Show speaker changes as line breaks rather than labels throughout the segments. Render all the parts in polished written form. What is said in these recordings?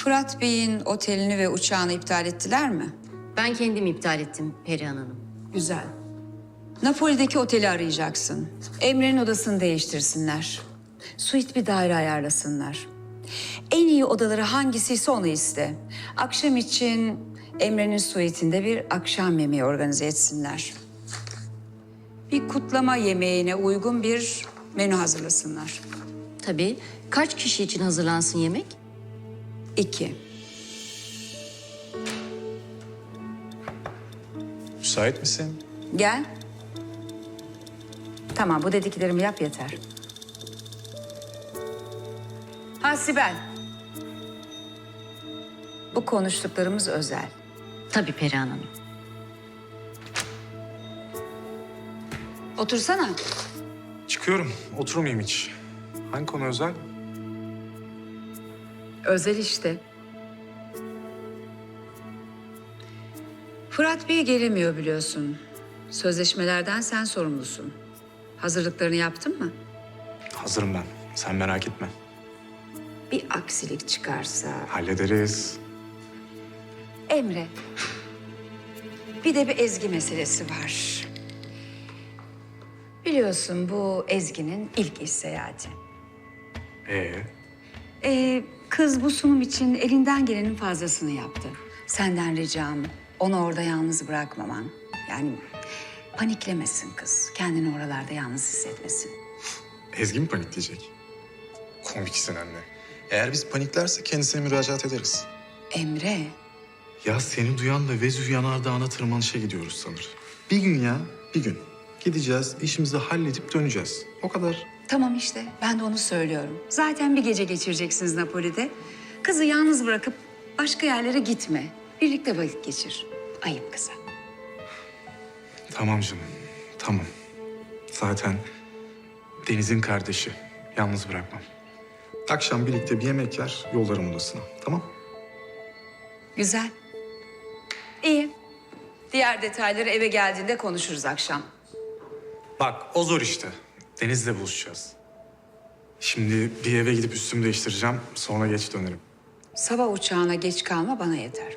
Fırat Bey'in otelini ve uçağını iptal ettiler mi?
Ben kendim iptal ettim Perihan Hanım.
Güzel. Napoli'deki oteli arayacaksın. Emre'nin odasını değiştirsinler. Suite bir daire ayarlasınlar. En iyi odaları hangisiyse onu iste. Akşam için Emre'nin suite'inde bir akşam yemeği organize etsinler. Bir kutlama yemeğine uygun bir menü hazırlasınlar.
Tabii. Kaç kişi için hazırlansın yemek?
2.
Müsait misin?
Gel. Tamam, bu dediklerimi yap yeter. Ha Sibel. Bu konuştuklarımız özel.
Tabii Perihan Hanım.
Otursana.
Çıkıyorum. Oturmayayım hiç. Hangi konu özel?
Özel işte. Fırat Bey gelemiyor biliyorsun. Sözleşmelerden sen sorumlusun. Hazırlıklarını yaptın mı?
Hazırım ben. Sen merak etme.
Bir aksilik çıkarsa...
Hallederiz.
Emre. Bir de bir Ezgi meselesi var. Biliyorsun bu Ezgi'nin ilk iş seyahati. Kız bu sunum için elinden gelenin fazlasını yaptı. Senden ricam onu orada yalnız bırakmaman. Yani paniklemesin kız. Kendini oralarda yalnız hissetmesin.
Ezgi mi panikleyecek? Komiksin anne. Eğer biz paniklerse kendisine müracaat ederiz.
Emre,
Ya seni duyan da Vezüv Yanardağı'na tırmanışa gidiyoruz sanır. Bir gün ya, bir gün. Gideceğiz, işimizi halledip döneceğiz. O kadar.
tamam işte ben de onu söylüyorum. Zaten bir gece geçireceksiniz Napoli'de. Kızı yalnız bırakıp başka yerlere gitme. Birlikte vakit geçir. Ayıp kıza.
Tamam canım, tamam. Zaten Deniz'in kardeşi. Yalnız bırakmam. Akşam birlikte bir yemek yer, yollarım odasına. Tamam?
Güzel. İyi. Diğer detayları eve geldiğinde konuşuruz akşam.
Bak o zor işte. Deniz'le buluşacağız. Şimdi bir eve gidip üstümü değiştireceğim. Sonra geç dönerim.
Sabah uçağına geç kalma bana yeter.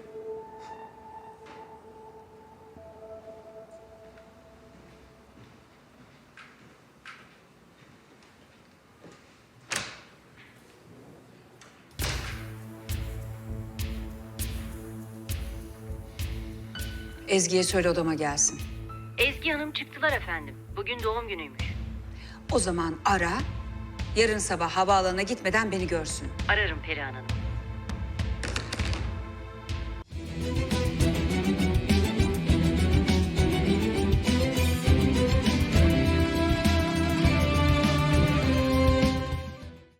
Ezgi'ye söyle odama gelsin.
Ezgi Hanım çıktılar efendim. Bugün doğum günüymüş.
O zaman ara, yarın sabah havaalanına gitmeden beni görsün.
Ararım Perihan Hanım.